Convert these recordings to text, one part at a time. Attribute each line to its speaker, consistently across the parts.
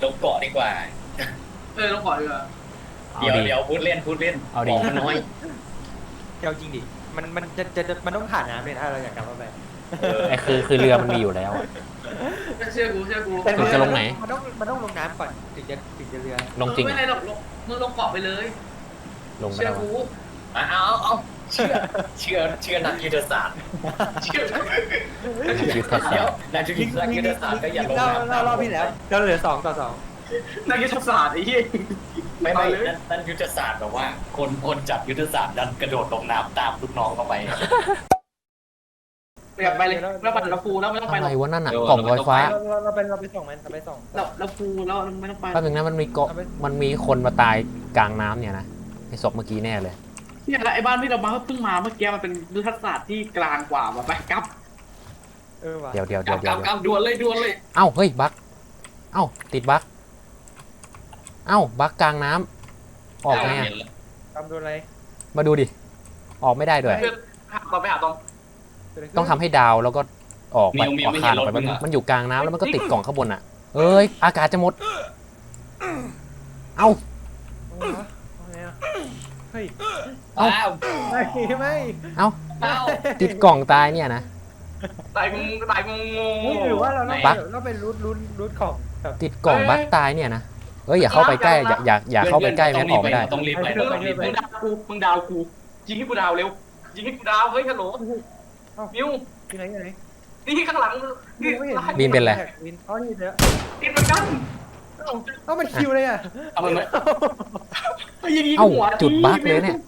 Speaker 1: ลงเกาะดีกว่า
Speaker 2: ลงก่อนดีกว่า
Speaker 1: เดี๋ยวพูดเล่น
Speaker 3: เอาดี
Speaker 1: น้อย
Speaker 3: เที่ยวจริงดิมันต้องผ่านน้ำเลยถ้าเราอยากกลับมาไป
Speaker 4: ไอ้คือเรือมันมีอยู่แล้ว
Speaker 2: เชื่อกู
Speaker 4: ถึงจะลงไหน
Speaker 3: มันต้องลงน้ำก่อนถึงจะเรือ
Speaker 4: ลงจริง
Speaker 2: ไม่ไรหรอกมึงลงเกาะไปเลย
Speaker 4: ลงไม่
Speaker 2: เชื่อ
Speaker 4: ได้
Speaker 2: กู
Speaker 1: เอาเชื่อนักยุทธศาสตร์เชื่อ
Speaker 4: ยุทธศาสตร์
Speaker 1: นักยุทธศาสตร์ก็อย่าลง
Speaker 3: รอบที่แล้วเราเหลือ2-2
Speaker 2: นักยุทธศาสตร์ไอ้เหี้ย
Speaker 1: ไม่นั่นยุทธศาสตร์แบบว่าคนจับยุทธศาสตร์ดันกระโดดลงน้ำตามลูกน้องเข้าไป
Speaker 2: ไปเลยแล้วมันเราฟูแล้วไม่ต้องไปหร
Speaker 4: อะ
Speaker 2: อก
Speaker 4: ไรวะนั่นอ่ะกล่องลอยฟ้า
Speaker 3: เราไปส่งมันเราไปส่ง
Speaker 2: เราฟูแล้วไม่ต้องไป
Speaker 4: แป๊บนึงนะมันมีคนมาตายกลางน้ำเนี่ยนะไอ้ศพเมื่อกี้แน่เลย
Speaker 2: เนี่ยแหละไอ้บ้านที่เรามาเพิ่งมาเมื่อกี้มันเป็นยุทธศาสตร์ที่กลางกว่าไปกับ
Speaker 3: ว่ะ
Speaker 4: เดี๋ยว
Speaker 1: กับดวลเลย
Speaker 4: เอ้าเฮ้ยบั๊กเอ้าติดบั๊กเอ้าบั๊กกลางน้ำออกไงอ่ะ
Speaker 3: ทำโดนอะไร
Speaker 4: มาดูดิออกไม่ได้ด้วย
Speaker 2: เราไปหาตรง
Speaker 4: ต้องทำให้ดาวแล้วก็ออกไปออกคานออกไปมันอยู่กลางน้ำแล้วมันก็ติดกล่องข้างบนอ่ะเอ้ยอากาศจะหมดเอ้า
Speaker 3: เฮ้ย
Speaker 4: เอ้า
Speaker 3: ไม่
Speaker 4: เอ้าติดกล่องตายเนี่ยนะ
Speaker 2: ตายงง
Speaker 3: หรือว่าเราเป็นรูทของ
Speaker 4: ติดกล่องบั๊กตายเนี่ยนะเอ้ยอย่าเข้าไปใกล้อย่าเข้าไปใกล้แม่งออกไม่ได้
Speaker 1: ต้องรีบไป
Speaker 2: มึงดาวกูยิงให้กูดาวเร็วยิงให้กูดาวเฮ้ยฮัลโหลมิว
Speaker 3: ที่ไหน
Speaker 2: นี่ข้างหลังนี่
Speaker 4: บินเป็นไร
Speaker 3: อ๋อนี่เถอะ
Speaker 2: กินเหมือนกัน
Speaker 3: มันคิวเลยอ่ะ
Speaker 1: เอาไปไหม
Speaker 4: เอ้าจุดบั๊กเลยเนี่ย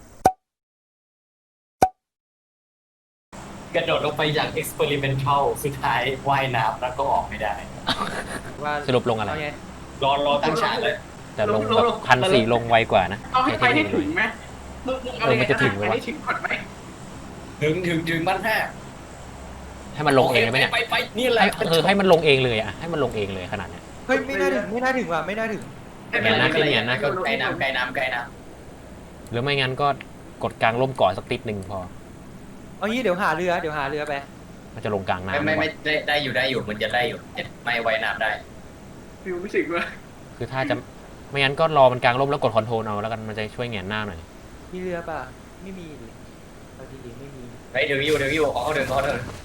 Speaker 1: กระโดดลงไปอย่าง experimental สุดท้ายว่ายน้ำแล้วก็ออกไม่ได้
Speaker 4: สรุปลงอะไร
Speaker 1: รอตั้งฉากเลย
Speaker 4: แต่ลงแบบ1,400ลงไวกว่านะ
Speaker 2: เอาให้ไปให้ถึงไหม
Speaker 4: มันจะถึงไหมวะ
Speaker 2: ถึงก่อนไหม
Speaker 1: ถึงบ้านแท้
Speaker 4: ให้มันลงเองเลยไหมเนี่ย
Speaker 1: ไปนี่แหละ
Speaker 4: ให้มันลงเองเลยอ่ะให้มันลงเองเลยขนาดเนี้ย
Speaker 3: เฮ้ยไม่น่าถึงว่ะไม่น่าถึง
Speaker 1: ก็ไกลน้ำ
Speaker 4: หรือไม่งั้นก็กดกลางร่มก่อนสักติดหนึ่งพอ
Speaker 3: เอางี้เดี๋ยวหาเรือไป
Speaker 4: มันจะลงกลางน้ำ
Speaker 1: ไม่ได้อยู่มันจะได้อยู่ไม่ไว้น้ำได้
Speaker 2: ฟิวไม่ถึงเลย
Speaker 4: คือถ้าจะไม่งั้นก็รอมันกลางร่มแล้วกดคอนโทรลเอาแล้วกันมันจะช่วยแหงนหน้าหน่อย
Speaker 3: มีเรือป่ะไม่มีดิเอาจริงๆไม่มี
Speaker 1: ไปถึงอยู่ของเขาเดิน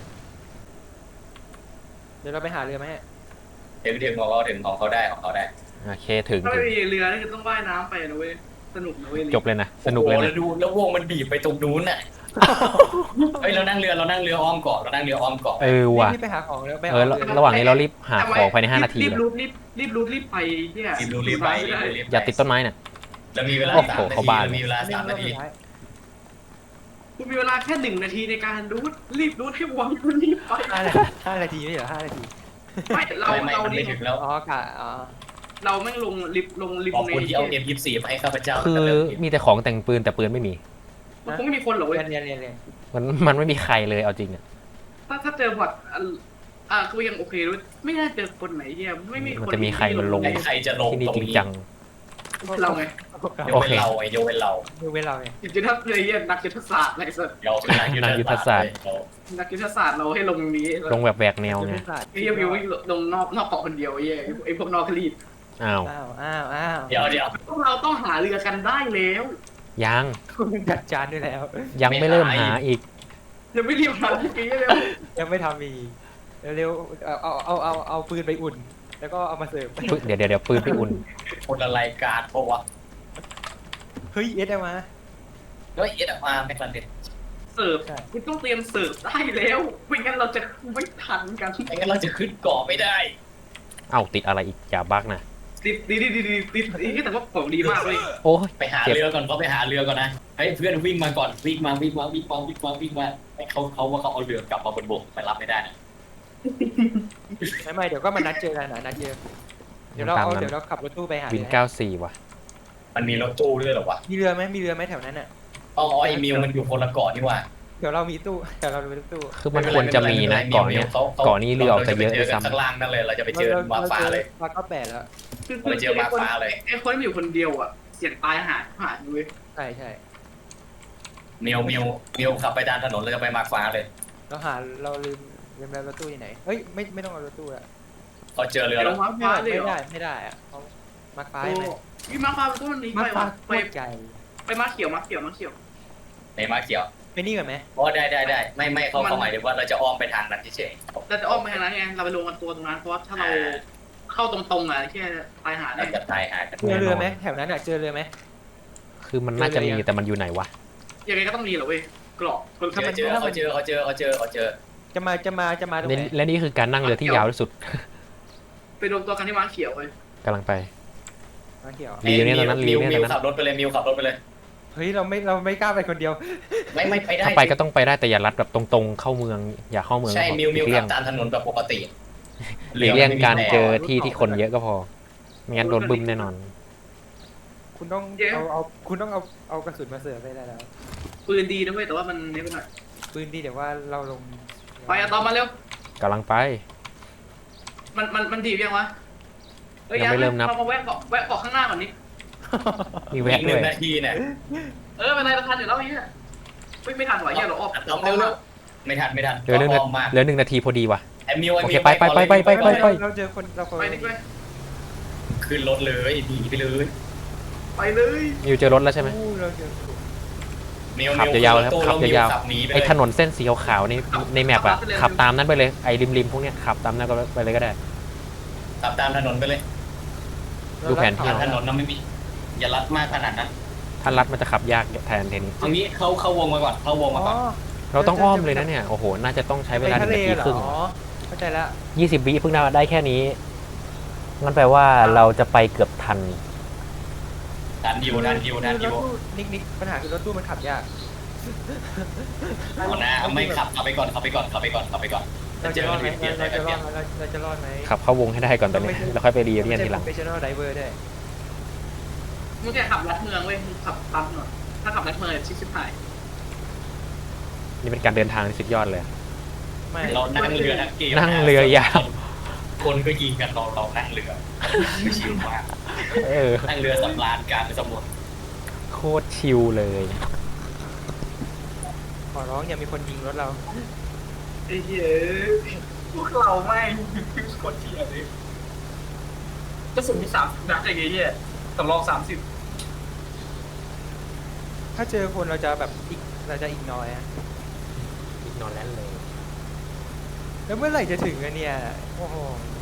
Speaker 3: เดี๋ยวเราไปหาเรือไหม
Speaker 1: ถึงของเขาได้
Speaker 4: โอเคถึง
Speaker 2: ถ้าไม่มีเรือนี่คือต้องว่ายน้ำไปนะเว้ยสนุกนะเว้ย
Speaker 4: จบเลยนะสนุกเลยนะ
Speaker 1: แล้ววงมันบีบไปตรงนู้นน่ะเฮ้ยเรานั่งเรืออ้อมเกาะ
Speaker 4: ว่ะ
Speaker 3: รีบไปหาของแล้ว
Speaker 4: ระหว่างนี้เรารีบหาของภายใน5 นาที
Speaker 2: รี
Speaker 4: เลย
Speaker 2: บไปเนี่ย
Speaker 1: รีบไป
Speaker 4: อย่าติดต้นไม้น่ะ
Speaker 1: แล้วมีเวลา
Speaker 4: โอ้โหเขาบ้า
Speaker 1: มีเวลา3 นาที
Speaker 2: คุณมีเวลาแค่1 นาทีในการรีบให้วงรีบไป
Speaker 3: 5 นาทีไม่เหรอ5 นาที
Speaker 2: ไม่เรา
Speaker 1: ไม่ถึงแล้ว
Speaker 3: อ๋อกะ
Speaker 2: เราแม่งลงลิฟต์
Speaker 1: ขอบคุณที่เอา M24 มาให้ข้าพเจ้า
Speaker 4: คือมีแต่ของแต่งปืนแต่ปืนไม่มี
Speaker 2: มันคงไม่มีคนหรอกเว้ย
Speaker 3: เรียน
Speaker 4: มันไม่มีใครเลยเอาจริงอ่ะ
Speaker 2: ถ้าเจอบอทก็ยังโอเคด้วยไม่น่าเจอคนไหนเนี่ยไม่มีคน
Speaker 4: มันจะมีใครมันลง
Speaker 1: ใครจะลง
Speaker 4: ที่นี่
Speaker 1: ตรง
Speaker 4: จริง
Speaker 1: นี้
Speaker 4: จัง
Speaker 2: เราไง
Speaker 1: ยกเป็นเราไงยกเป็นเรา
Speaker 3: ดูเว้นเราไง
Speaker 2: จริงๆถ้าเลยนักยุทธศาสตร์อะไรสัก
Speaker 1: เราเป็นนักยุทธศาสตร์
Speaker 2: นักยุทธศาสตร์เราให้ลงนี้
Speaker 4: ลงแบบแหวกแนวไง
Speaker 2: ไอ้เหี้ยวิวลงนอกเกาะคนเดียวไอ้พวกนอกคลีด
Speaker 4: อ้าว
Speaker 1: เดี๋ยว
Speaker 2: พวกเราต้องหาเรือกันได้แล้ว
Speaker 4: ยัง
Speaker 3: คุณจัดจานด้วยแล้ว
Speaker 4: ยังไม่เริ่มหาอีก
Speaker 2: ยังไม่รีบหาเมื่อกี้เลย
Speaker 3: ยังไม่ทำอีกเร็วเอาปืนไปอุ่น แล้วก็เอามาเสิร์ฟ
Speaker 4: เดี๋ยวปืนไปอุ่น
Speaker 1: คนละรายการเพราะว่า
Speaker 3: เฮ้ยเอสมา
Speaker 1: เฮ้ยออกมาไม่ทันเด็ด
Speaker 2: เสิร์ฟคุณต้องเตรียมเสิร์ฟได้แล้วไม่งั้นเราจะไม่ทันกัน
Speaker 1: ไม่งั้นเราจะขึ้นเกาะไม่ได้
Speaker 4: เอ้าติดอะไรอีกอย่าบั๊กนะ
Speaker 2: ติดแต่ว่าของดีมากเลย
Speaker 4: โอ้ย
Speaker 1: ไปหาเรือก่อนเขาไปหาเรือก่อนนะให้เพื่อนวิ่งมาก่อนวิ่งมาให้เขาว่าเขาเอาเรือกลับมาบนบกไปรับไม่ได้นะ
Speaker 3: ไม่เดี๋ยวก็มานัดเจอกันนะนัดเจอเดี๋ยวเราขับรถตู้ไปหา
Speaker 4: วิน94ว่ะ
Speaker 1: มันมีรถตู้ด้วยหรอวะ
Speaker 3: มีเรือไหมแถวนั้นอ่ะ
Speaker 1: อ๋อไอ้มิวมันอยู่คนละเกาะนี่ว่า
Speaker 3: เดี๋ยวเรามีตู้เดี๋ยวเรามีตู้
Speaker 4: คือมันควรจะมีนะเกาะเนี้ยเกาะนี้เรือออกจะเยอะด้วยซ้ำ
Speaker 1: ข้างล่างนั่นเลยเราจะไปเจอมาฟ้าเลย
Speaker 3: มาก็8แล้ว
Speaker 1: ไปเจอมาฟ้าเลย
Speaker 2: ไอ้คนที่อยู่คนเดียวอ่ะเสี่ยงตายหาด้วย
Speaker 3: ใช่
Speaker 1: มิวขับไปตามถนนเราจะไปมาฟ้าเลย
Speaker 3: เราลืมแล้วรถตู้ที่ไหนเฮ้ยไม่ต้องเอารถตู้ละ
Speaker 1: เขาเจอเรือแล้ว
Speaker 2: ฟ้าเลย
Speaker 3: ไม่ได้อ่ะมาร์คฟ้า
Speaker 2: โอ้
Speaker 3: ไหม
Speaker 2: พี่มาฟ้าตัวนี้
Speaker 3: มา
Speaker 2: ไป
Speaker 3: ร์คฟ้าว
Speaker 2: ะ
Speaker 3: โคตรใหญ่
Speaker 2: ไปมาเขียวมาเขียว
Speaker 1: ในมาเขียว
Speaker 3: ไปนี่ก่อนไหม
Speaker 1: อ๋อได้ไม่เขาหมายถึงว่าเราจะอ้อมไปทางนั้นเฉย
Speaker 2: เราจะอ้อมไปทางนั้นไงเราไปลงกันตัวตรงนั้นเพราะว่าถ้าเราเข้าตรงๆอ่ะแค่ตายหา
Speaker 1: ๆ
Speaker 2: ได้
Speaker 1: เราจะตายหากัน
Speaker 3: เจอเรือไหมแถวนั้นอ่ะเจอเรือไหม
Speaker 4: คือมันน่าจะมีแต่มันอยู่ไหนวะ
Speaker 2: ยังไงก็ต้องมีเหรอเว้ยกรอบคน
Speaker 1: เจ
Speaker 2: ถ้า
Speaker 1: อ
Speaker 2: มัน
Speaker 1: เจอเขาเจอ
Speaker 3: จะมาตรงไหน
Speaker 4: และนี่คือการนั่งเรือที่ยาวที่สุด
Speaker 2: ไปรวมตัวกันที่มาเขียวเลย
Speaker 4: กำลังไป
Speaker 3: มาเขียว
Speaker 4: รีวิวเนี่ยตอนนั้นรีวิวเนี่ยตอนนั้น
Speaker 1: ขับรถไปเลยมิวขับรถไปเลย
Speaker 3: เฮ้ยเราไม่กล้าไปคนเดียว
Speaker 1: ไม่ไปได้
Speaker 4: ถ้าไปก็ต้องไปได้แต่อย่าลัดแบบตรงๆเข้าเมืองอย่าเข้าเมือง
Speaker 1: ใช่
Speaker 4: ก็พอ
Speaker 1: มิว
Speaker 4: หลีก
Speaker 1: ขั
Speaker 4: เลี่ย
Speaker 1: บ
Speaker 4: ง
Speaker 1: ตามถนนแบบปกติ
Speaker 4: หลีกเลี่ยงการเจอที่คนเยอะก็พอไม่งั้นโดนบึ้มแน่นอน
Speaker 3: คุณต้องคุณต้องเอากระสุนมาเสือไปได้แล้ว
Speaker 2: ปืนดีนะเว้ยแต่ว่ามันนี่ไปหน่อย
Speaker 3: ปืนดีเดี๋ยวว่าเราลง
Speaker 2: ไปอะตอมมาเร็ว
Speaker 4: กำลังไป
Speaker 2: มันดียังวะ
Speaker 4: ยังไม่เริ่มนับ
Speaker 2: มาแวะเกาะข้างหน้าก่อนนี้
Speaker 4: มี
Speaker 1: อี
Speaker 4: แวะ
Speaker 1: กห
Speaker 4: ด้
Speaker 1: นึ่
Speaker 4: วย
Speaker 1: งนาทีเนี่ย
Speaker 2: เป็นไรเราทันอยู่แล้วเนี่ยไม่ทันไหวเหี้ยเราออก
Speaker 1: ต้องเร็วไม่ทัน
Speaker 4: เหลือหนึ่ง
Speaker 1: อ้อมมาก
Speaker 4: เหลือ1 นาทีพอดีว่ะ
Speaker 1: ไอ้มิว
Speaker 4: โอเคไป
Speaker 3: เราเจอคนเราคน
Speaker 2: ไปดิไป
Speaker 1: ขึ้นรถเลยหนีไปเลย
Speaker 2: ไปเลย
Speaker 4: มิวเจอรถแล้วใช่ไหม
Speaker 3: เราเจอ
Speaker 1: มิว
Speaker 4: ขับยาวๆครับขับยาว
Speaker 1: ขับหนีไป
Speaker 4: ไอ้
Speaker 1: เลย
Speaker 4: ถนนเส้นสีขาวๆในแมปอะขับตามนั้นไปเลยไอ้ริมๆพวกเนี้ยขับตามนั้นก็ไปเลยก็ได้
Speaker 1: ขับตามถนนไปเลย
Speaker 4: ดูแผนที่
Speaker 1: ถนนนั้นไม่มีอย่าลัดมากขนาดนั้น
Speaker 4: ถ้าลัดมันจะขับยากแทนทีนี้
Speaker 1: ตรงนี้เข้าวงมาก่อนเข้าวงมาก่อน
Speaker 4: เราต้องอ้อมเลยนะเนี่ยโอ้โหน่าจะต้องใช้เวลา1 นาทีครึ่ง
Speaker 3: เข้าใจแล้ว
Speaker 4: 20 วิเพิ่งได้แค่นี้งั้นแปลว่าเราจะไปเกือบทัน
Speaker 1: ดันดิว
Speaker 3: นิกปัญหาคือรถตู้มันขับยาก
Speaker 1: เอานะไม่ขับไปก่อนเราเจอ
Speaker 3: รอด
Speaker 1: กัน
Speaker 3: ไหม
Speaker 1: เปลี่ยน
Speaker 3: เราจะรอดไหม
Speaker 4: ขับเข้าวงให้ได้ก่อนตอนนี้แล้วค่อยไปรีเรียนทีหลัง
Speaker 3: โปรเฟชชั่นอลไดเวอร์ด้วย
Speaker 2: มึงแกขับลัดเมืองเว้ยมึงขับปั๊มหน่อยถ้าขับลัดเมืองชิบหาย
Speaker 4: นี่เป็นการเดินทางที่สุดยอดเลย
Speaker 3: ไม่
Speaker 1: เรานั่งเรือทั้งเกม
Speaker 4: นั่งเรือยาว
Speaker 1: คนก็ยิงกันเรานั่งเรือชิลมาก นั่งเรือสำราญกลางสมุทร
Speaker 4: โคตรชิลเลย
Speaker 3: ขอร้องอย่ามีคนยิงรถเรา
Speaker 2: ไอ้เหี้ยพวกเราไม่โคตรเที่ยเลยกระสุนมี30 นัดอย่างเงี้ยสำรอง30
Speaker 3: ถ้าเจอคนเราจะแบบเราจะอีกน้อยอะ
Speaker 4: อีกนอนแล้วเลย
Speaker 3: แล้วเมื่อไหร่จะถึงอะเนี่ยโอ้โห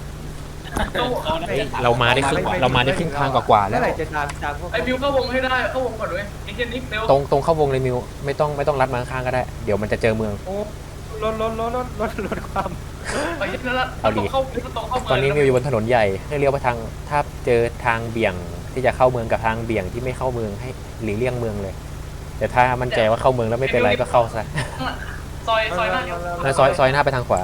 Speaker 4: เรามาได้ครึ่งทางกว่าๆแล้
Speaker 3: เมื่
Speaker 4: ว
Speaker 3: อไหร่จะตามพวก
Speaker 2: ไอ้มิวเข้าวงให้ได้เข้าวงก่อนเว้ยไอ้เหี้ยนิกเร็ว
Speaker 4: ตรงเข้าวงเลยมิวไม่ต้องลัดมาข้างๆก็ได้เดี๋ยวมันจะเจอเมือง
Speaker 3: โอ้ลดความ
Speaker 2: ไอ้เหี้ยนั่นละ
Speaker 4: เอาดิ
Speaker 2: เข้าเมือง
Speaker 4: ตอนนี้มิวอยู่บนถนนใหญ่ให้เลี้ยวไปทางถ้าเจอทางเบี่ยงที่จะเข้าเมืองกับทางเบี่ยงที่ไม่เข้าเมืองให้หลีกเลี่ยงเมืองเลยแต่ถ้ามั่นใจว่าเข้าเมืองแล้วไม่เป็นไรก็เข้าซะ
Speaker 2: ซอยหน้าเนี่ย
Speaker 4: แล้วซอยหน้าไปทางขวา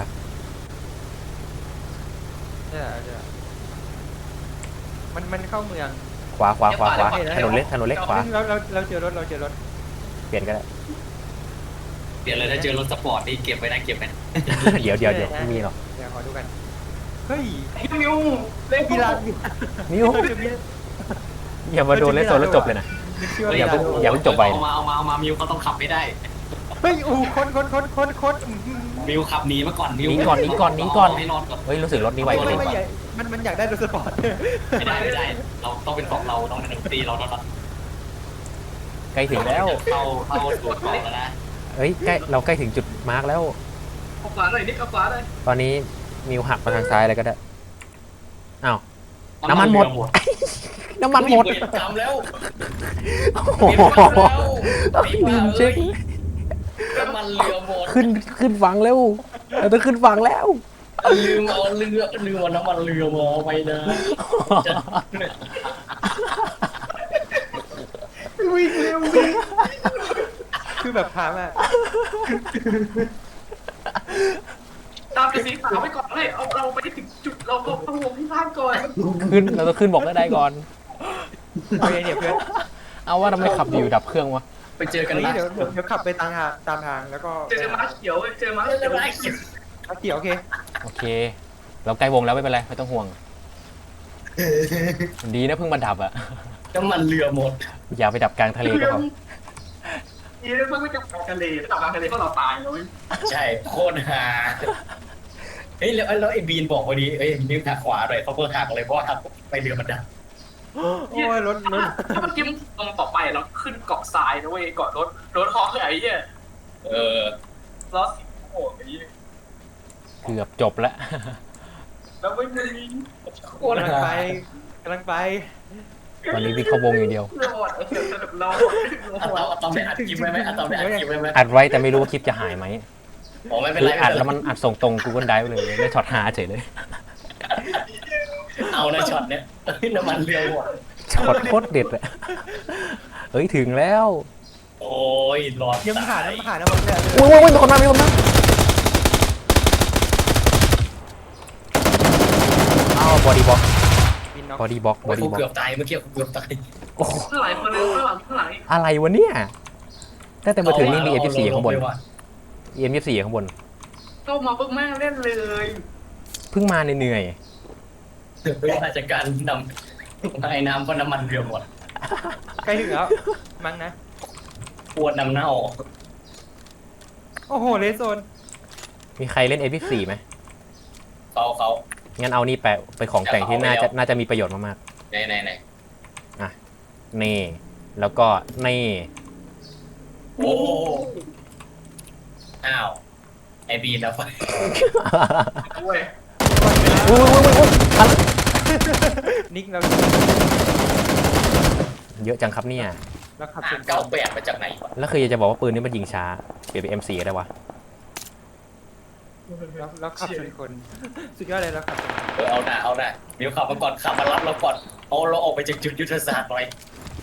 Speaker 3: มันเข้าเมือง
Speaker 4: ขวาถนนเล็กขวา
Speaker 3: เราเจอรถ
Speaker 4: เปลี่ยนก็ได้
Speaker 1: เปลี่ยนเลยถ้าเจอรถสปอร์ตนี่เก็บไว้นะ
Speaker 4: เดี๋ยวไม่มีหรอก
Speaker 3: เดี๋ยวขอดูกันเฮ้ย
Speaker 2: ไอ้มิวเล่น
Speaker 3: กีฬา
Speaker 4: มิวอย่ามาโดนเล่นโซนแล้วจบเลยนะ อย่าเพิ่งจบไป
Speaker 1: เอามามิวเขาต้องขับไม่ได้
Speaker 3: เฮ้ยอู้คน
Speaker 1: มิวขับหนีมาก่อนมิว
Speaker 4: หนีก่อน
Speaker 1: ให้นอนก่อน
Speaker 4: เฮ้ยรู้สึกรถนี้ไวกว่า
Speaker 3: ไม่ใหญ่มันอยากได้รถสปอร์ต
Speaker 1: ไม่ได้เราต้องเป็นของเราต้องเป็นดนตรีเราต้อง
Speaker 4: ใกล้ถึงแล้ว
Speaker 1: เข้าตัวก่อนแล้วนะ
Speaker 4: เฮ้ยเราใกล้ถึงจุดมาร์กแล้ว
Speaker 2: เอาขวาเลยนิกเอาขวาเลย
Speaker 4: ตอนนี้มิวหักมาทางซ้ายเลยก็ได้อ้าวน้ำมันหมด
Speaker 1: ทำแล้ว
Speaker 4: โอ้โหลืมเช็ค
Speaker 1: น้ำมันเรือหมด
Speaker 4: ขึ้นฝั่งแล้วเราต้องขึ้นฝั่งแล้ว
Speaker 1: ลืมเอาน้ำมันเรือมาไปนะ
Speaker 3: วิ่งเร็วคือแบบถามอ่ะ
Speaker 2: ตามไปสีขาวไปก่อนเลยเอาเราไปถึงจุดเราเข้าวงที่บ้านก่อน
Speaker 4: เราต้องขึ้นบอกได้ก่อน
Speaker 3: โอเคเนี่ยเพื่อน
Speaker 4: เอาว่าทำไมขับอยู่ดับเครื่องวะ
Speaker 1: ไปเจอกัน
Speaker 3: เดี๋
Speaker 1: นะ
Speaker 3: ยวขับไปตามทางแล้วก็
Speaker 2: เจอม้าเขียวเจอม้าเขียว
Speaker 3: เกี่ยวโอเค
Speaker 4: โอเค เราใกล้วงแล้วไม่เป็นไรไม่ต้องห่วงดีนะเพิ่งมาดับอะ
Speaker 1: น้ำมันเรือหมด
Speaker 4: อย่าไปดับกลางทะเลก็พอ
Speaker 2: นี่เพิ่งไม่จับทะเลจับทะเลก็เราตายเลย
Speaker 1: ใช่โคตรฮาเฮ้ยแล้วไอ้บีนบอกพอดีเอ้ยนิ้วหักขวาหน่อยเขาเพิ่งหักเลยเพราะหักไปเรือมันดับ
Speaker 3: โอ้ยรถ
Speaker 2: ถ้ามันกิ้มตรงต่อไปเราขึ้นเกาะทรายนะเว้ยเกาะรถฮอไอ้เหี้ย
Speaker 1: เออ
Speaker 2: ล้อสีโอ้ไอ้เหี้ย
Speaker 4: เกือบจบแล้ว
Speaker 2: แล้วไม่มี
Speaker 1: โคตร
Speaker 3: กำลัง
Speaker 1: ฮา
Speaker 3: ไปกำลังไป
Speaker 4: ตอนนี้วิ่งเข้าวงอย่างเดียว
Speaker 2: รอดไอ้เหี้ยสนุกรอด
Speaker 1: อะตอมได้อัดคลิปไว้ไหมอะตอมได้อัดคลิปไว้ไหม
Speaker 4: อัดไว้แต่ไม่รู้ว่าคลิปจะหายไหม
Speaker 1: อ๋อไม่เป็น
Speaker 4: คือ
Speaker 1: ไร
Speaker 4: อัดแล้วมันอัดส่งตรง Google Drive เลยไม่ช็อตหาเฉยเลย
Speaker 1: เอานะช็อตเนี้ยน้ำมันเรือหมด
Speaker 4: ช็อตโคตรเด็ดเลยเฮ้ยถึงแล้ว
Speaker 1: โอ้ยรอด
Speaker 3: ยังผ่าน
Speaker 1: ตาย
Speaker 3: น้ำผ่านน้ำมันเลย
Speaker 4: โอ้ยมีคนมาอ้าวบอดี้บ็อก
Speaker 3: บินน็อก
Speaker 4: บอดี้บ็อกบ
Speaker 1: โอ้
Speaker 4: อย ดี้
Speaker 1: กู
Speaker 4: บ็อก
Speaker 1: เกือบตายเมื่อกี้กูเกือบตาย
Speaker 4: โอ้โห
Speaker 2: ข้างหลังคนนึงข้างหลังอีก
Speaker 4: อะไรวะเนี่ยตั้งแต่มาถึงนี่มี M24 ข้างบน
Speaker 1: เอว่ะ
Speaker 4: M24 ข้างบน
Speaker 2: เข้ามาปุ๊บแม่งเล่นเลย
Speaker 4: เพิ่งมาเหนื่อย
Speaker 1: เวลาจากการนำไอ้น้ำก็น้ำมันเรือหมด
Speaker 3: ใกล้ถึงแล้วมั้งนะ
Speaker 1: ปวดน้ำเน่า
Speaker 3: โอ้โหเลสโซน
Speaker 4: ๆมีใครเล่น M24 ไหม
Speaker 1: เขา
Speaker 4: งั้นเอานี่แปะไปของแต่งที่น่าจะมีประโยชน์มาก
Speaker 1: ไหน
Speaker 4: ๆนี่แล้วก็นี่
Speaker 1: โอ้อ้าวไอบีนแล้วไป
Speaker 2: เว้ย
Speaker 4: อุ้ยทัน
Speaker 3: นิกเรา
Speaker 4: เยอะจังครับเนี่ย
Speaker 3: เราขับ
Speaker 1: เก้าแปดมาจากไหนวะ
Speaker 4: แล้วคืออยากจะบอกว่าปืนนี้มันยิงช้าเปลี่ยนเป็น M4 ได้วะ
Speaker 3: เราขับชนคนสุดยอดเลยเราขับชน
Speaker 1: เอาหน้าเดี๋ยวขับมาก่อนขับมารับเราก่อนเอาเราออกไปจากจุดยุทธศาสตร์หน่อย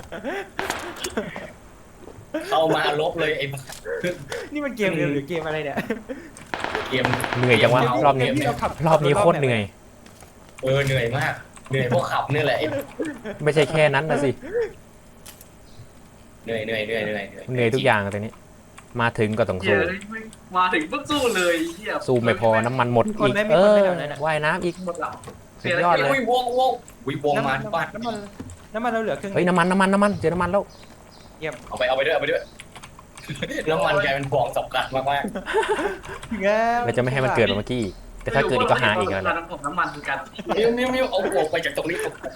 Speaker 1: เข้ามาลบเลยไอ้
Speaker 3: นี่มันเกมเร็วหรือเกมอะไรเนี่ย
Speaker 1: เกม
Speaker 4: เหนื่อยจังวะรอบนี้
Speaker 3: ที่เราขับ
Speaker 4: รอบนี้โคตรเหนื่อย
Speaker 1: เหนื่อยมากเหนื่อยเพราะขับนี่แหละ
Speaker 4: ไม่ใช่แค่นั้นนะสิ
Speaker 1: เหนื่อย
Speaker 4: เหนื่อยทุกอย่างตอนนี้ มาถึงก็ต้อง
Speaker 2: เหี้
Speaker 4: สู้
Speaker 2: ยมาถึงปุ๊บสู้เลยเหี้ย
Speaker 4: สู้ไม่พอน้ำมันหมดอีกว่ายน้ำอีก
Speaker 2: หมดหลัง
Speaker 4: สุดยอดเลย
Speaker 1: วิ่งวงมาบ้าน
Speaker 3: น้ำมันเราเหลือครึ่ง
Speaker 4: เฮ้ยน้ำมันเจอน้ำมันแล้ว
Speaker 1: เอาไปด้วยน้ำมันกลายเป็นของสำคัญมาก
Speaker 4: เราจะไม่ให้มันเกิดแบบเมื่อกี้อีกแต่ถ้าเกิดอีกก็หาอีกแล้ว
Speaker 2: การน้ำมันคือกัน
Speaker 1: ๆมิวเอาออกไปจากตรงนี้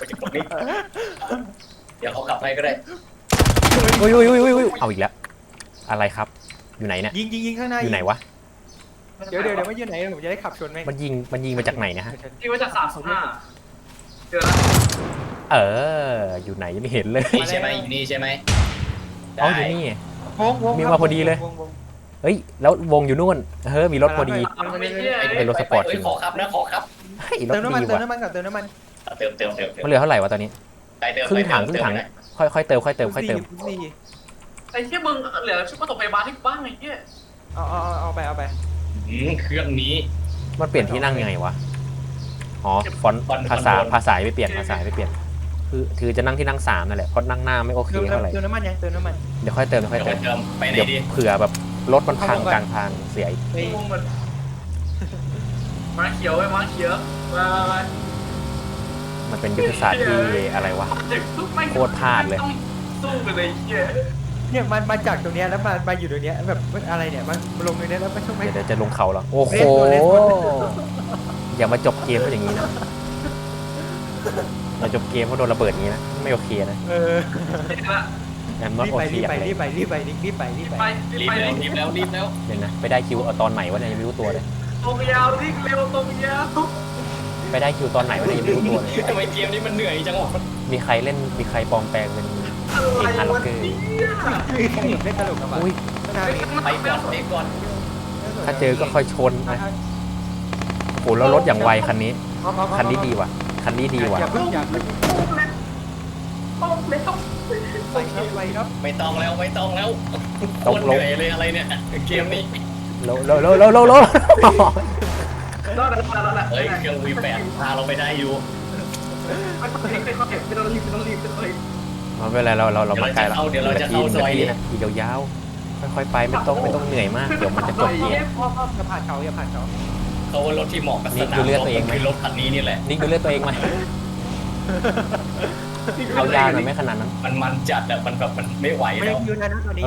Speaker 1: เดี๋ยวเขาขับให้ก็ได้
Speaker 4: อุ้ยเอาอีกแล้วอะไรครับอยู่ไหนเนี่ย
Speaker 3: ยิงข้างหน้า
Speaker 4: อยู่ไหนวะ
Speaker 3: เดี๋ยวไม่อยู่ไหนผมจะได้ขับชนไหม
Speaker 4: มันยิงมาจากไหนนะฮะ
Speaker 2: ที่ว่าจาก35เจอแล้ว
Speaker 4: อยู่ไหนยังไม่เห็นเลย
Speaker 1: นี่ใช่ไหมอยู่นี่ใช่ไหม
Speaker 4: อ๋ออยู่นี่
Speaker 3: วง
Speaker 4: มีมาพอดีเลย เฮ้ยแล้ววงอยู่นู่นมีรถพอดี เป็นรถสปอร์ต
Speaker 1: ขอครับ
Speaker 4: เฮ้ยรถ
Speaker 3: เติมน้ำมัน
Speaker 4: ดี
Speaker 3: เติม
Speaker 4: ว่ะ
Speaker 3: น้ำมันก่อนเติมน้ำมัน
Speaker 1: เติม
Speaker 4: มันเหลือเท่าไหร่วะตอนนี้ครึ่งถังค่อยเติม
Speaker 3: สี่
Speaker 2: ไอ้เหี้ยมึงเหลือชุดประถมพยาบาลที่บ้านไอ้เหี้ย
Speaker 3: เอาไป
Speaker 1: เครื่องนี้
Speaker 4: มันเปลี่ยนที่นั่งยังไงวะอ๋อฟอนต์ภาษาไม่เปลี่ยนคือจะนั่งที่นั่ง3นั่นแหละเพราะนั่งหน้าไม่โอเคเท่าไหร่
Speaker 3: เติมน้ำมันยังเติมน้ำมัน
Speaker 4: เดี๋ยวค่อยเติม
Speaker 1: เดี๋ยวไปไหน
Speaker 4: เดี๋ยว
Speaker 1: ดี
Speaker 4: เผื่อแบบรถมันพังกลางทางเสียอีก
Speaker 3: ไป
Speaker 2: งงมันมาเขียวไอ้มาเขียวมา
Speaker 4: มันเป็นยุทธศาสตร์ที่อะไรวะ โคตรพลาดเลย
Speaker 2: สู้กันเลยเหี้ย
Speaker 3: เนี่ยมันมาจากตรงเนี้ยแล้วมาอยู่ตรงเนี้ยแบบอะไรเนี่ยมันลงตรงเนี้ยแล้วไม่ช่วงไม่
Speaker 4: เดี๋ยวจะลงเขาแล้วโอ้โหอย่ามาจบเกมเพราะอย่างนี้นะมาจบเกมเพราะโดนระเบิดอย่างนี้นะไม่โอเคนะ I'm not
Speaker 3: รีบไป
Speaker 4: okay อะไร
Speaker 3: รีบไป
Speaker 1: รีบแล้ว
Speaker 4: เดี๋ยวนะไปได้คิวเอาตอนไหนวะเนี่ยยังไม่รู้ตัวเลย
Speaker 2: ตรงยาววิ่งเร็วตรงยาว
Speaker 4: ไปได้คิวตอนไหนวะเนี่ยยังไม่รู้ตัวเลย
Speaker 1: ทำไมเกมนี้มันเหนื่อยจังวะ
Speaker 4: มีใครปลอมแปลงเป็น
Speaker 2: อะไร
Speaker 4: อัน
Speaker 2: วะ
Speaker 4: เกอร์
Speaker 3: เล่นตลกกับ
Speaker 4: อุ้ย
Speaker 1: ไปก่อน
Speaker 4: ถ้าเจอก็ค่อยชนนะโอ้โหแล้วรถอย่างไวคันนี้ดีว่ะคันนี้ดีว่ะ
Speaker 3: อย่าเพิ่ง
Speaker 2: ต้องเร็ว
Speaker 3: ไปครับ
Speaker 1: ไม่ต้องแล้วคนเหนื่อยเลยอะไรเนี่ยเกมนี้
Speaker 4: โล
Speaker 2: รอดแล้ว
Speaker 1: เฮ้ยเครื่องV8พาเราไปได้อยู่
Speaker 2: ไม่ต้องรีบ
Speaker 4: มาเป็นไรเรามาไกลแล้ว
Speaker 1: เดี๋ยวเราจะเข้าซอย
Speaker 4: นาทีนะอีกยาวๆค่อยๆไปไม่ต้องเหนื่อยมากเดี๋ยวมันจะจบเกม
Speaker 3: พ่ออย่าผ่านเขาอย่าผ่านเขา
Speaker 1: เขาว่ารถที่เหมาะกับสนามคือรถคันนี้นี่แหละ
Speaker 4: นิ่งดูเลือดตัวเองไหมเอายาวหน่อยไม่ขนาดนั้น
Speaker 1: มันจัดอะมันแบบมันไม่ไหว
Speaker 3: ไม่
Speaker 1: แล้
Speaker 3: ได้
Speaker 1: ว
Speaker 3: ยืนนะตอนนี้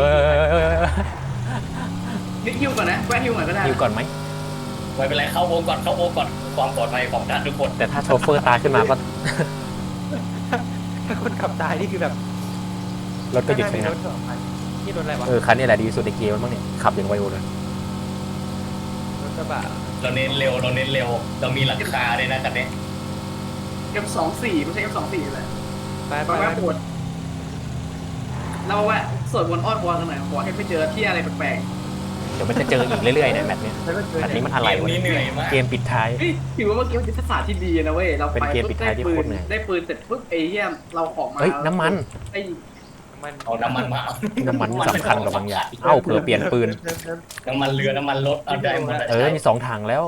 Speaker 2: นิดฮิวก่อนนะแวะฮิวก่อนก็ได้
Speaker 4: ยิวก่อนไหม
Speaker 1: ไม่เป็นไรเข้าวงก่อนความปลอดภัยของท่านทุกคน
Speaker 4: แต่ถ้าโชเฟอร์ตายขึ้นมาก็
Speaker 3: คคนขับตายนี่คือแบบ
Speaker 4: รถก็หยุด
Speaker 3: ข้างห
Speaker 4: ชะ
Speaker 3: น้า
Speaker 4: งั
Speaker 3: มี
Speaker 4: ก
Speaker 3: รถ2 คันนี่รถอะไรวะ
Speaker 4: คันนี้แหละดีที่สุดในเกมมั้งเนี่ยขับอย่างไวเลย
Speaker 3: รถกระบะ
Speaker 1: เราเน้นเร็วเรามีหลังคาด้วยนะคันนี้
Speaker 2: M24ไม่ใช่ M24เลย
Speaker 3: ไป
Speaker 2: ไปแวะปวดเราแวะสวดมนต์อ้อนวอนกันหน่อยขอให้ไม่เจอที่อะไรแปลก
Speaker 4: เดี๋ยวมันจะเจออีกเรื่อยๆเนี่ยแบบเนี้ย
Speaker 3: แล้วก็เจอ
Speaker 4: แบบ
Speaker 3: เนี่
Speaker 4: นี้
Speaker 3: ย
Speaker 4: มันอะไร
Speaker 1: เกม
Speaker 4: วะ
Speaker 1: นี้
Speaker 4: เนี่ย
Speaker 1: เหนื่อยมาก
Speaker 4: เกมปิดท้าย
Speaker 2: ๆเฮ้ยถือว่าเมื่อกี้มันเป็นทักษะที่ดีนะเว้ยเรา
Speaker 4: เป็น
Speaker 2: ไป
Speaker 4: เกมปิดท้ายที่โคตรเหนื่อย
Speaker 2: ได้ปืนเสร็จปุ๊บไอ้เหี้ยเราของมา
Speaker 4: เฮ้ยน้ำมัน
Speaker 2: ไอ้
Speaker 3: มัน
Speaker 1: เอาน้ำมันมา
Speaker 4: น้ำมันสำคัญกับบางอย่างเอ้าเผื่อเปลี่ยนปืน
Speaker 1: น้ำมันเรือน้ำมันรถเอาได้หมดอะ
Speaker 4: มี2 ถังแล้ว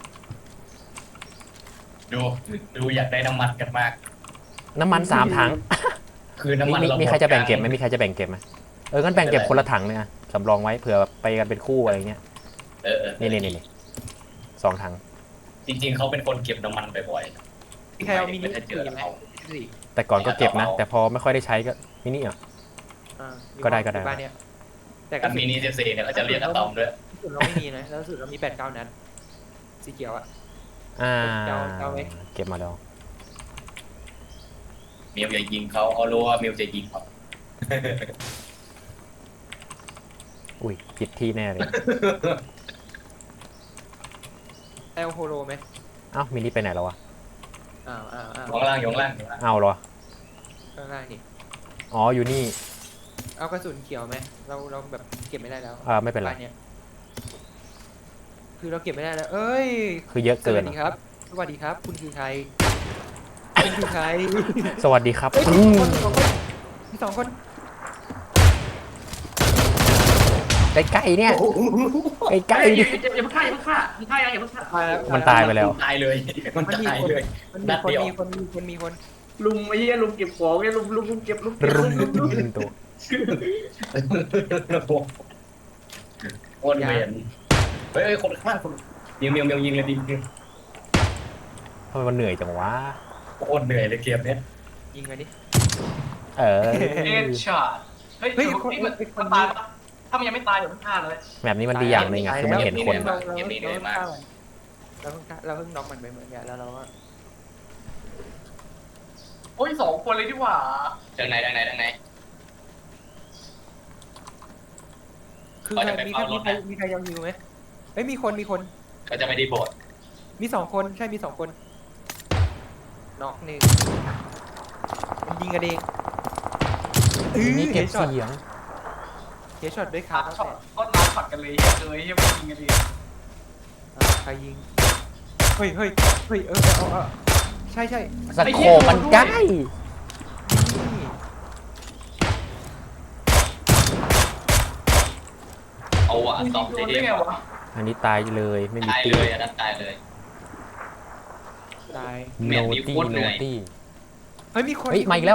Speaker 1: ดูอยากได้น้ำมันกันมาก
Speaker 4: น้ำมัน3 ถัง
Speaker 1: คือน้ำมัน
Speaker 4: มีใครจะแบ่งเก็บไหมมีใครจะแบ่งเก็บไหมงั้นแบ่งเก็บคนละถังเนี่ยสำรองไว้เผื่อไปกันเป็นคู่อะไรเงี้ย นี่2 ถัง
Speaker 1: จริงๆเขาเป็นคนเก็บน้ำมันบ่อย
Speaker 3: มีใครเอามินิ
Speaker 1: ไม่ได้เจอ
Speaker 3: ไหม
Speaker 1: เขา
Speaker 3: สี่
Speaker 4: แต่ก่อนก็เก็บนะ แต่พอไม่ค่อยได้ใช้ก็มินิอ่ะ
Speaker 3: มี
Speaker 4: ก็ได้
Speaker 3: บ้านเนี่ยแต่ก
Speaker 1: กั
Speaker 3: ระ
Speaker 1: น
Speaker 3: สุ
Speaker 1: มิ
Speaker 3: น
Speaker 1: นิ14เนี่ยเขาจะเรียกอะตอมด้วย
Speaker 3: กระสุนเราไม่มีนะแล้วกระสุนเรามี8-9 นัดสีเขียวอ่ะ เอาไหม
Speaker 4: เก็บมาแล้ว
Speaker 1: มิวจะยิงเขารู้ว่ามิวจะยิงเขา
Speaker 4: อุ้ยผิดที่แน่เลย
Speaker 3: แอลโฮโลไหม
Speaker 4: เอ้ามินิไปไหนแล้ววะ
Speaker 3: อ้าว
Speaker 1: อยู่ข้างล่าง
Speaker 4: เอาเหรอ
Speaker 3: ข้างล่างนี่
Speaker 4: อ๋ออยู่นี่
Speaker 3: เอากระสุนเขียวไหมเราแบบเก็บไม่ได้แล้ว
Speaker 4: ไม่เป็นไร
Speaker 3: บ้านเนี่ยคือเราเก็บไม่ได้แล้ว เอ้ย
Speaker 4: คือเยอะ
Speaker 3: ส
Speaker 4: เกิ
Speaker 3: วัน สดีครับ สวัสดีครับ คุณคือใครคุณคือใคร
Speaker 4: สวัสดีครับ
Speaker 3: เฮ้ย
Speaker 4: อืม
Speaker 3: มีสองคน
Speaker 4: ใกล้ๆเนี่ยใกล้
Speaker 2: อย่า
Speaker 4: ๆดิ
Speaker 2: อย่าเพิ่งฆ่าอย่าเพิ่งฆ่าอย่าเพิ่งฆ่า
Speaker 3: ตายแล้ว
Speaker 4: มันตายไปแล้ว
Speaker 1: ตายเลย มัน
Speaker 3: มันมี
Speaker 1: ตาย
Speaker 3: คน
Speaker 1: เลย
Speaker 3: มัน
Speaker 1: นัดเดียว
Speaker 3: มีคน
Speaker 2: ลุงไอ้เหี้ยลุงเก็บของไอ้ลุงเก็บ
Speaker 4: รุมตัว
Speaker 1: โอนเวียนเฮ้ยคนข้างคนยิงยิงเลยดิ
Speaker 4: ทำไมมันเหนื่อยจังวะ
Speaker 1: โคตรเหนื่อยเลยเกมเนี้ย
Speaker 3: ยิงไปดิ
Speaker 4: เออ
Speaker 2: เอ็ดช็อตเฮ้ยมันตายปะถ้ามันยังไม่ตายเดี๋ยวมันฆ่าเลย
Speaker 4: แบบนี้มันดีอย่างหนึ่งอะคือมันเห็นคน
Speaker 3: เราเพิ่งน็อกมันไปเหมือนกันแล้วเราก็
Speaker 2: โอ้ย2 คนเลยดีกว่า
Speaker 1: ทางไหน
Speaker 3: คือใครมีใครยังอยู่ไหมเฮ้ยมีคน
Speaker 1: ก็จะไม่ได้โบด
Speaker 3: มี2 คนใช่มี2 คนน็อกหนึ่งมันยิงกันเอง
Speaker 4: มีเก็บ
Speaker 3: ช็อต
Speaker 4: เสียง
Speaker 3: เฮดช็อตด้วยคา
Speaker 2: ช็
Speaker 3: ช็
Speaker 2: อ
Speaker 3: อ
Speaker 2: ต
Speaker 3: ต
Speaker 2: ก็น้ำช็อตกันเลยเลยยังไม่ยิงกันดี
Speaker 3: ใครยิงเฮ้ยใช่
Speaker 4: สโคปมันใกล้
Speaker 3: นี่
Speaker 1: เอาอะตอม
Speaker 2: โด
Speaker 1: ได้
Speaker 2: นได้ไงวะ
Speaker 4: อันนี้ตายเลยไม่มี
Speaker 1: ตาย
Speaker 4: ตี
Speaker 1: เลยอันนั้นตายเลย
Speaker 3: ตาย
Speaker 1: แม
Speaker 4: โน
Speaker 1: ปนี้
Speaker 4: ตี้
Speaker 1: โคตรเห
Speaker 4: โน
Speaker 1: นื่อย
Speaker 4: ตี้
Speaker 3: เฮ้ยมีคน
Speaker 4: เฮ้ยมาอีกแล้ว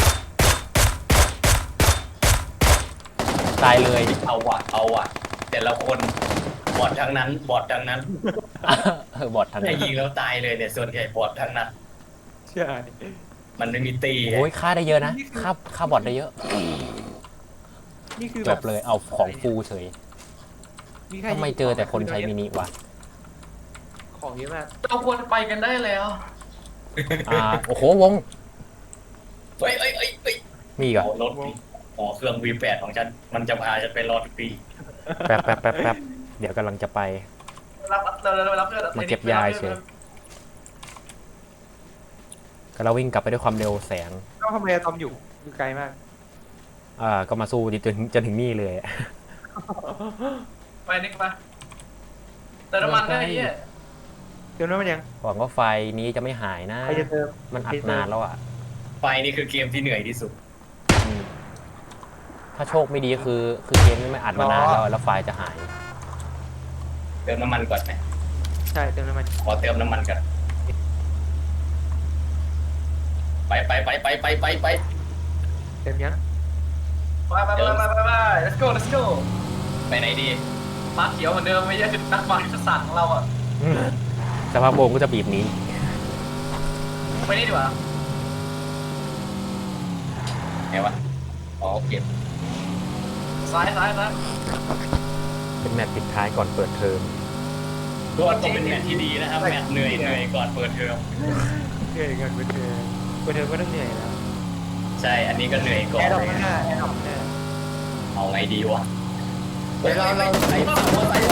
Speaker 4: ตายเลย
Speaker 1: เอาอะแต่ละคนบอดทั้งนั้น
Speaker 4: บอดทาง
Speaker 1: ไอ้
Speaker 4: นั้น
Speaker 1: ยิงแล้วตายเลยเนี่ยส่วนใหญ่บอดทั้งนั้น
Speaker 3: ใช่
Speaker 1: มันไม่มีตี
Speaker 4: โอ้ยฆ่าได้เยอะนะฆ่าบอดได้เยอะ
Speaker 3: นี่คือ
Speaker 4: แบบเลยเอาของฟูเฉย
Speaker 3: มีใคร
Speaker 4: ทำไมเจอแต่คนใช้มินิวะ
Speaker 3: ของเยอะมาก
Speaker 2: เราควรไปกันได้แล้ว
Speaker 4: โอ้โหวง
Speaker 1: เฮ้ย
Speaker 4: มีอีก่อน
Speaker 1: รถเครื่อง V8 ของฉันมันจะพาฉันไปรอทุกปี
Speaker 4: แป๊บเดี๋ยวกำลังจะไป
Speaker 2: รับเพื่อน
Speaker 4: มาเก็บยาเฉย ก็เราวิ่งกลับไปด้วยความเร็วแสง
Speaker 3: ก็ทำไมอะตอมอยู่ไกลมาก
Speaker 4: ก็มาสู้จนถึงนี่เลย
Speaker 2: ไปนิกมาแต่น้ำมันได้เหี้ย
Speaker 3: เดี๋ยวนั้นมันยัง
Speaker 4: หวังว่าไฟนี้จะไม่หายนะ
Speaker 3: ใครจะเติม
Speaker 4: มันอัดนานแล้วอ่ะ
Speaker 1: ไฟนี่คือเกมที่เหนื่อยที่สุด
Speaker 4: อืมถ้าโชคไม่ดีคือเกมนี้ไม่อัดมานานแล้วไฟจะหาย
Speaker 1: เติมน้ำมันก่อนไหม
Speaker 3: ใช่เติมน้ำมัน
Speaker 1: ขอเติมน้ำมันก่อนไป
Speaker 3: เต็มยัง
Speaker 2: ไป let's go
Speaker 1: ไปไหนดี
Speaker 2: มาเขียวเหมือนเดิมไม่ใช่คือนักบอลยุทธศาสตร์ของเราอ่ะ
Speaker 4: สภาพวงก็จะบีบหนี้
Speaker 2: ไปนี่ดีกว่า
Speaker 1: ไงวะเก็บ
Speaker 2: ซ้าย
Speaker 4: เป็นแมตช์ปิดท้ายก่อนเปิดเทอม
Speaker 1: ก็ต้องเป็นแมตช์ที่ดีนะครับแมตช์เหนื่อยก่อนเปิดเทอม
Speaker 3: เหนื่อยกันเปิดเทอมก็ต้องเหนื่อยแล้ว
Speaker 1: ใช่อันนี้ก็เหนื่อยก่อ
Speaker 3: แอน ร์ดรอปข้างหน้าแอร์ดรอปข้างหน้า
Speaker 1: เอาไงดีวะ
Speaker 3: เดี๋ยวเรา
Speaker 1: ไอ้ฝั่งหัวไอ้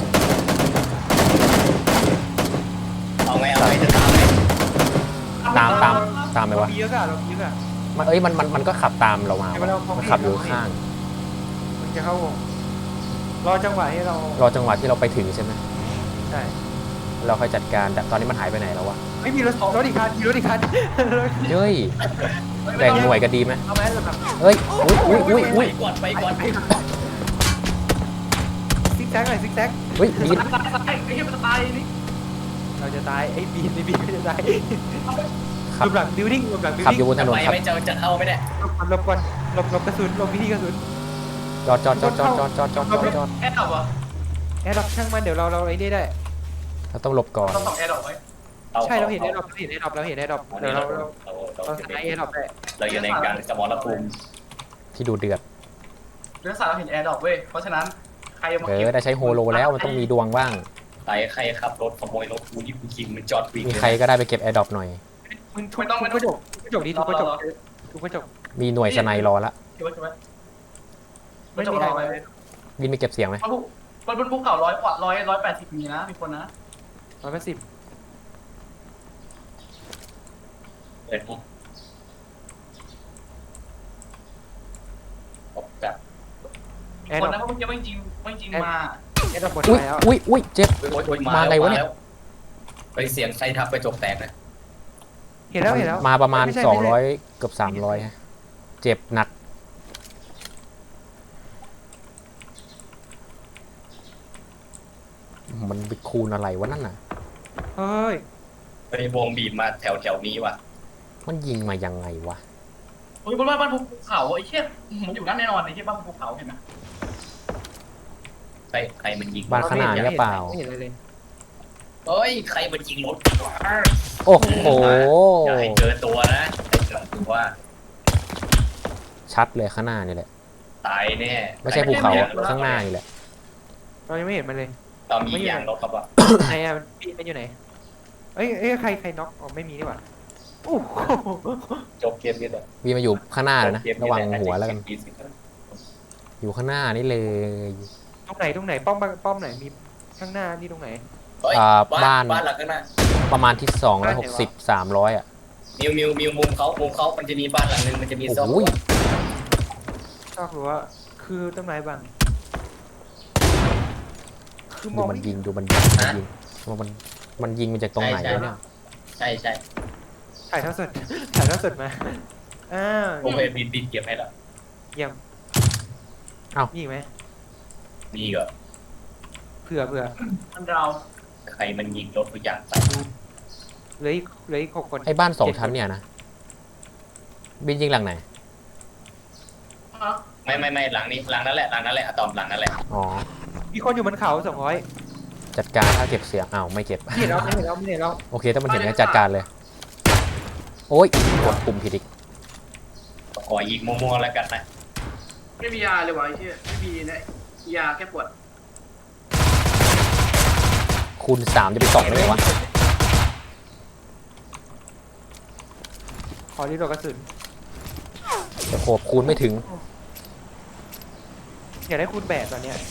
Speaker 1: เอาไงจะตามไหม
Speaker 4: ตามไหมวะ
Speaker 3: เรามีเยอะอะเรามีเยอะอะ
Speaker 4: มันก็ขับตามเรามา
Speaker 3: เดี๋ยวเรามอง
Speaker 4: มัน
Speaker 3: ไม่เห็น
Speaker 4: ขับอยู่ข้าง
Speaker 3: มันจะเข้าวงรอจังหวะให้เรา
Speaker 4: รอจังหวะที่เราไปถึงใช่ไหม
Speaker 3: ใช่
Speaker 4: เราค่อยจัดการแต่ตอนนี้มันหายไปไหนแล้ววะ
Speaker 3: ไม่มีรถอีกคันมีรถอีกคัน
Speaker 4: เฮ้ยแบ่งหน่วยกันดีไหม
Speaker 3: เอาไหมเราแบบ
Speaker 4: เฮ้ยอุ้ย
Speaker 1: ไปก่อนไปก่อน
Speaker 3: ซิกแซกหน่อยซิกแซก
Speaker 4: เฮ้ยบีน
Speaker 2: ตายไอ้เหี้ยมันตายนี่
Speaker 3: เราจะตายไอ้บีนก็จะตาย
Speaker 4: ขับ
Speaker 3: หลบหลังบิวดิ้งหลบหลังบิว
Speaker 4: ขับ
Speaker 3: ดิ้ง
Speaker 4: อยู่บนถนน
Speaker 1: ไป
Speaker 4: ครับ
Speaker 1: ไม่จะเข้าไม่ได้
Speaker 3: หลบก่อนหลบกระสุนหลบวิธีกระสุน
Speaker 4: จอด
Speaker 2: แอดดอก
Speaker 3: แอร์ดรอปช่างมันเดี๋ยวเราไอ้นี่ได้
Speaker 4: เราต้องหลบก่อน
Speaker 2: ต้องส่องแอดดอกไว้
Speaker 3: ใช่เราเห็นแอร์ดรอปเราเห็นแอร์ดรอปเราเห็นแอร์ดรอปเดี๋ยวเราสไนแอร์ดรอปได้
Speaker 1: เราอยู่ในการสมรภูมิ
Speaker 4: ที่ดูเดือด
Speaker 2: เรื่องสารเราเห็นแอร์ดอกเว้ยเพราะฉะนั้นใครมา
Speaker 4: เอ
Speaker 2: เก็บ
Speaker 4: อได้ใช้โฮโลแล้วมันต้องมีดวงบ้าง
Speaker 1: ใครขับรถขโมยรถกูนี่กูยิงมันจอดวิ่ง
Speaker 4: มีใครก็ได้ไปเก็บแอร์ดรอปหน่อย
Speaker 3: มึงทุบกระจกดิทุบกระจกทุบกระจก
Speaker 4: มีหน่วยสไนรอละ
Speaker 2: ใช่ไหม
Speaker 3: ไม่มีใครมา
Speaker 4: บินไปเก็บเสียงไหม
Speaker 2: บนภูเขา180มีนะมีคนนะ
Speaker 3: 180
Speaker 1: เปิดห้องแบบ
Speaker 3: แอร์
Speaker 2: ค
Speaker 3: ดร
Speaker 2: น
Speaker 3: อป
Speaker 2: นั้นเขาไม่จริงมา
Speaker 3: แอร์ดรอปหมด
Speaker 4: อุ้ย
Speaker 3: แล้ว
Speaker 4: อุ้ยเจ็บ มาไงวะเนี่ย
Speaker 1: ไปเสียงใครทับไปจกแตกนะ
Speaker 3: เห็นแล้ว
Speaker 4: มาประมาณ200เกือบ300ฮะเจ็บหนักมันไปคูณอะไรวะนั่นน่ะ
Speaker 3: เฮ้ย
Speaker 1: ไปวงบีบมาแถวนี้ว่ะ
Speaker 4: มันยิงมายังไงวะ
Speaker 2: โอ้ยบนบ้านภูเขาไอ้เชี่ยมันอยู่นั่นแน่นอนไอ้เชี่ยบ้านภูเขาเห็นไหม
Speaker 1: ใครมันยิง
Speaker 4: บ้านขนาดนี้เปล่า
Speaker 3: ไม่เห็นอะไรเลย
Speaker 1: เฮ้ยใครมันยิงรถ
Speaker 4: โอ้โห
Speaker 1: อย่าให้เจอตัวนะให้เจอตัว
Speaker 4: ชัดเลยข้างหน้านี่แหละ
Speaker 1: ตายแน่
Speaker 4: ไม่ใช่ภูเขาข้างหน้านี่แหละ
Speaker 3: เรายังไม่เห็นมันเลย
Speaker 1: เรามีอย่างรถครับว่า
Speaker 3: ไหนอ่ะมันอยู่ไหนเอ้ยใครน็อกอ๋อไม่มีนี่หว่าโอ้โห
Speaker 1: จบเกมนี้เลย
Speaker 4: วีมาอยู่ข้างหน้าเลยนะระวังหัวแล้วกันอยู่ข้างหน้านี่เลย
Speaker 3: ตรงไหนป้อมไหนมีข้างหน้านี่ตรงไหน
Speaker 1: บ้านหลังนั้นนะ
Speaker 4: ประมาณที่260 300อ่ะ
Speaker 1: มิวมุมเขามันจะมีบ้านหลังนึงมันจะมีซ่อม
Speaker 4: โอ้ย
Speaker 3: ชอบรู้ว่าคือต้นไม้บางคือม
Speaker 4: ดู
Speaker 3: อง
Speaker 4: มันยิงดูมันยิงมันยิงมาจากตรงไหนวะเนี่ย
Speaker 1: ใช่
Speaker 3: ถ่ายทอดสดมา
Speaker 1: ผมเห็นบินเก็บให้แล้ว
Speaker 3: เยี่ยมมีอีกไหม
Speaker 1: นี่ก็
Speaker 3: เผื่อ
Speaker 2: มันเรา
Speaker 1: ใครมันยิงรถทุกอย่างไป
Speaker 3: เหลืออีก6 คน
Speaker 4: ไอ้บ้าน2 ชั้นเนี่ยนะบินยิงหลังไหน
Speaker 1: ไม่หลังนี้หลังนั่นแหละอะตอมหลังนั่นแหละ
Speaker 4: อ๋อ
Speaker 3: มีคนอยู่บนเขา200
Speaker 4: จัดการถ้าเก็บเสียงอ้าวไม่เก็บ
Speaker 3: ไม่เห็นแล้ว
Speaker 4: โอเคถ้ามันเห็นก็จัดการเลย โอ้ยกดปุ่มผิดอีก
Speaker 1: ขอยิงมั่วๆแล้วกันนะ
Speaker 2: ไม่มียาเลยวะไอ้เชี่ยไม่มีนะยาแค่ปวด
Speaker 4: คูณ3จะไป2ได้ไหมวะ
Speaker 3: ขอรีโหลดกระสุน
Speaker 4: แต่โขบคูณไม่ถึง
Speaker 3: อยากได้คูณ8ตอนเนี้ย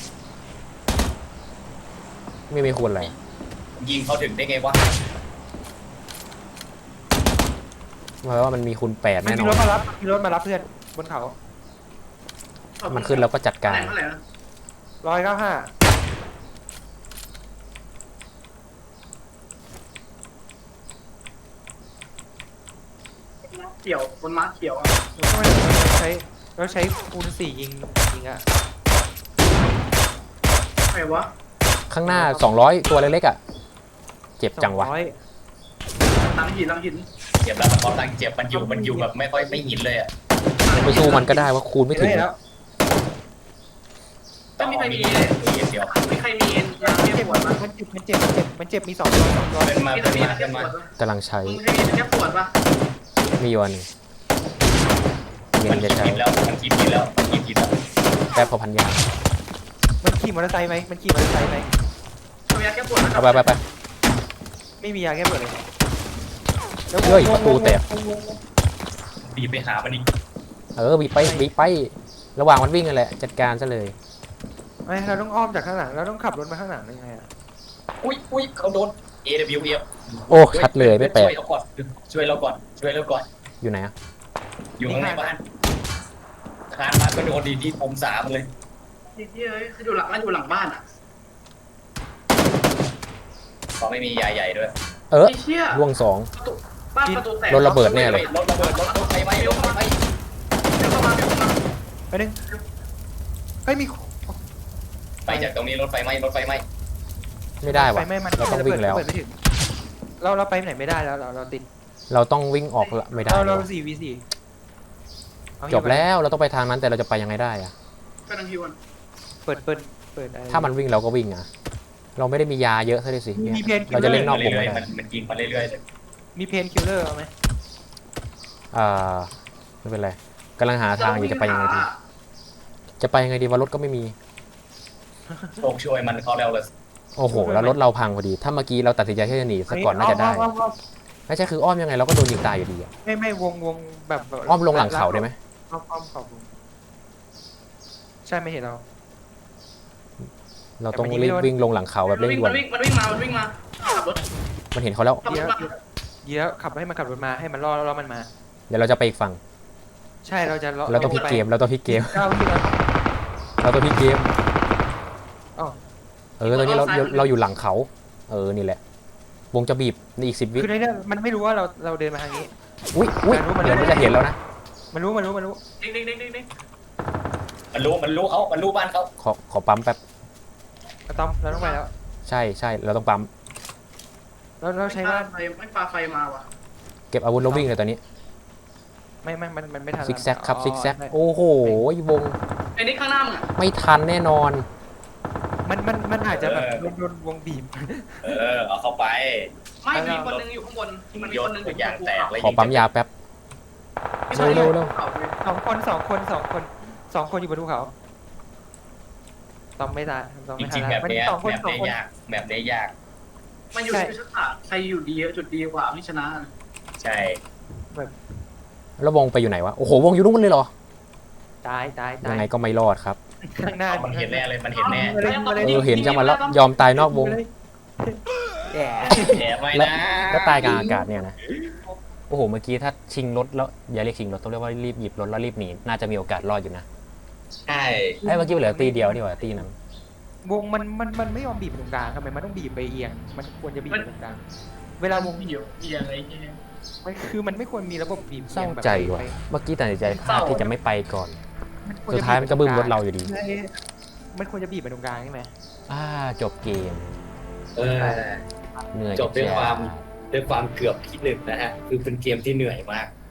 Speaker 4: ไม่มีคูณอะไร
Speaker 1: ยิงเขาถึงได้ไงวะ
Speaker 4: เพราะว่ามันมีคูณ8
Speaker 3: มัน
Speaker 4: แน่น
Speaker 3: มี
Speaker 4: อ
Speaker 3: ร
Speaker 4: น
Speaker 3: ถมารับเพื่อนบนเขา
Speaker 4: มันขึ้นแล้วก็จัดการ
Speaker 2: เท่าไหร่นะ
Speaker 3: 195
Speaker 2: เขียวบนม้าเขียวอ่ะ
Speaker 3: เราใช้คูณ4ยิงอ่ะ
Speaker 2: ใครวะ
Speaker 4: ข้างหน้า200ตัวเล็กๆอ่ะเจ็บจังวะ
Speaker 3: 200
Speaker 2: หลังหิน
Speaker 1: เจ็บแล้วมันกำลังเจ็บมันอยู่แบบไม่ค่อยไม่หินเลยอ่ะ
Speaker 4: ไปสู้มันก็ได้ว่าคูณไม่ถึง
Speaker 3: แล้ว
Speaker 2: ต้องมีใครมี
Speaker 1: เดียว
Speaker 2: มีใครมียาแก้ปวดปะ
Speaker 3: มันเจ็บมี2 ตัว
Speaker 1: เป็นมา
Speaker 2: มี
Speaker 1: เป็น
Speaker 2: ใครมี
Speaker 1: มาย
Speaker 2: า
Speaker 1: เป็
Speaker 2: แก้
Speaker 1: น
Speaker 2: ป
Speaker 1: มาว
Speaker 2: ดปะ
Speaker 4: กำลังใช้
Speaker 2: มึงใครมียาแก้ปวดปะ
Speaker 4: มีอยู่อันหนึงเย็
Speaker 1: มัน
Speaker 4: นจะ
Speaker 1: คิด
Speaker 4: ใช้
Speaker 1: ผิดแล้วมันคิดผิดแล้ว
Speaker 4: แป๊บพอพันยา
Speaker 3: มันขี่มอเตอร์ไซค์ไหม
Speaker 2: มียาแก้ปวด
Speaker 4: เอาไป
Speaker 3: ไม่มียาแก้ปวดเลย
Speaker 4: เฮ้ยประตูแตก
Speaker 1: บีบไปหามันอีก
Speaker 4: บีบไป ระหว่างมันวิ่งกันแหละ จัดการซะเลย
Speaker 3: ไม่เราต้องอ้อมจากข้างหลังเราต้องขับรถมาข้างหลังได้ไงอะ
Speaker 1: อุ้ยเขาโดน AWF
Speaker 4: โอ้ ชัดเลยไม่แปลก
Speaker 1: ช่วยเราก่อนช่วยเราก่อน
Speaker 4: อยู่ไหนอะ
Speaker 1: อยู่ข้างในบ้านคานบ้านก็โดนดีที่ผมสามเลย
Speaker 2: ไอ้เหี้ยคืออยู่หลังบ้านอ่ะ
Speaker 1: เขาไม่มียาใหญ่ด้วย
Speaker 2: ไอ้เหี้ย
Speaker 4: ล่วงสอง
Speaker 2: บ้านประตูแตก
Speaker 4: รถระเบิดแน่เลย
Speaker 1: รถระเบิดรถไฟไหม้รถไฟไหม้
Speaker 2: เดี๋ยวเข้ามา
Speaker 3: ไปนึงเฮ้ยมี
Speaker 1: ไปจากตรงนี้รถไฟไหม้
Speaker 4: ไม่ได้
Speaker 3: ไฟ
Speaker 4: วะ
Speaker 3: ไม่มัน
Speaker 4: เราต้องวิ่งแล้ว
Speaker 3: ระเบิดไม่ถึงเราไปไหนไม่ได้แล้วเราติด
Speaker 4: เราต้องวิ่งออกละไม่ได้
Speaker 3: เรา
Speaker 4: วะ
Speaker 3: 4v4
Speaker 4: จบแล้วเราต้องไปทางนั้นแต่เราจะไปยังไงได้อะ
Speaker 2: กำลังฮิว
Speaker 3: เปิดอะไร
Speaker 4: ถ้ามันวิ่งเราก็วิ่งอะเราไม่ได้มียาเยอะซะด้วยสิ
Speaker 3: มีเพนคิ
Speaker 4: เรา
Speaker 3: ลเล
Speaker 4: จะ
Speaker 3: อ
Speaker 4: เล่น
Speaker 3: ร์
Speaker 4: นอกวงไม่ได้
Speaker 1: มันยิงมาเรื่อยๆเลย
Speaker 3: มีเพนคิลเลอร์เอาไหม
Speaker 4: ไม่เป็นไรกำลังหาทางอยู่จะไปยังไงดีว่ารถก็ไม่มี
Speaker 1: โชคช่วยมันเขาแล้วเลย
Speaker 4: โอ้โห แล้วรถเราพังพอดี ถ้าเมื่อกี้เราตัดสินใจที่จะหนีซะก่อนน่าจะได้
Speaker 3: อ้อม
Speaker 4: ไม่ใช่คืออ้อมยังไงเราก็โดนยิงตายอยู่ดีอะ
Speaker 3: ไม่วงแบบ
Speaker 4: อ้อมลงหลังเขาได้ไหม
Speaker 3: อ้อมเขาวงใช่ไม่เห็นเรา
Speaker 4: เราต้องรีบวิ่งลงหลังเขาแบบเร่งด่วน
Speaker 2: มันวิ่งมาขับรถ
Speaker 4: มันเห็นเขาแล้ว
Speaker 2: ขับรถมา
Speaker 3: เดี๋ยวขับให้มันขับรถมาให้มันล่อมันมา
Speaker 4: เดี๋ยวเราจะไปอีกฝั่ง
Speaker 3: ใช่เราจะ
Speaker 4: เราต้องพลิกเกม
Speaker 3: 9 วิแล้ว
Speaker 4: เราต้องพลิกเกม
Speaker 3: อ๋อ
Speaker 4: ตอนนี้เราอยู่หลังเขา นี่แหละ วงจะบีบในอีก10 วิ
Speaker 3: คือในนี้มันไม่รู้ว่าเราเดินมาทางนี้
Speaker 4: อุ้ยเหมือนมันจะเห็นแล้วนะ
Speaker 3: มันรู้
Speaker 2: ดิ้ง
Speaker 1: มันรู้บ้านเขา
Speaker 4: ขอปั๊มแป๊บ
Speaker 3: เราต้องไปแล้ว
Speaker 4: ใช่เราต้องปั๊ม
Speaker 3: เราใช้ว่า
Speaker 2: ไม่ปลาไฟมาว่ะ
Speaker 4: เก็บอาวุธแล้ววิ่งเลยตอนนี้
Speaker 3: มันไม่ทัน
Speaker 4: ซิกแซกครับซิกแซกโอ้โหวง
Speaker 2: ไอ้นี่ข้างหน้ามึง
Speaker 4: ไม่ทันแน่นอน
Speaker 3: มันอาจจะแบบโดนวงบีบ
Speaker 1: เอาเข้าไป
Speaker 2: ไม่มีคนนึงอยู่ข้างบน มันมีคนนึง
Speaker 1: ยางแตกเลย
Speaker 4: ขอปั๊มยาแป๊บ เร็ว
Speaker 3: 2 คนอยู่บนภูเขาต้องไม่ทัน
Speaker 1: จริงๆแบบ
Speaker 3: มัน
Speaker 1: นี้
Speaker 3: 2 คน
Speaker 1: แบบนี้ยาก
Speaker 2: มันอยู่ที่ชักขาใครอยู่ดีจุดดีกว่าไม่ชนะ
Speaker 1: ใช่
Speaker 4: แล้ววงไปอยู่ไหนวะ โอ้โห วงอยู่นู่นเลยเหรอ
Speaker 3: ตาย
Speaker 4: ยังไงก็ไม่รอดครับ
Speaker 3: ข้างหน้า
Speaker 1: มันเห็นแน่เลยมันเห็นแน่
Speaker 4: เห็นจังมันแล้วยอมตายนอกวง
Speaker 3: แย่
Speaker 1: แถมไว้
Speaker 4: แล้ว
Speaker 1: นะ
Speaker 4: แล้วตายกลางอากาศเนี่ยนะ โอ้โห เมื่อกี้ถ้าชิงรถแล้วอย่าเรียกชิงรถต้องเรียกว่ารีบหยิบรถแล้วรีบหนี น่าจะมีโอกาสรอดอยู่นะ
Speaker 1: ใช่
Speaker 4: เมื่อกี้เหลือตีเดียวนี่หว่าตีนั้น
Speaker 3: วงมันไม่ยอมบีบไปตรงกลางทำไมมันต้องบีบไปเอียงมันควรจะบีบไปตรงกลางเวลาวง
Speaker 2: เดี๋ยวเอียงอะไรเงี้ย
Speaker 3: มันไม่ควรมีระบบบีบ
Speaker 4: เศร้าใจว่ะ เมื่อกี้ตัดสินใจพลาดที่จะไม่ไปก่อน สุดท้ายมันก็บึ้มรถเราอยู่ดี
Speaker 3: มันควรจะบีบไปตรงกลางใช่ไหม
Speaker 4: จบเกม เหนื่อย
Speaker 1: จบด้วยความเกือบที่ 1นะฮะคือเป็นเกมที่เหนื่อยมาก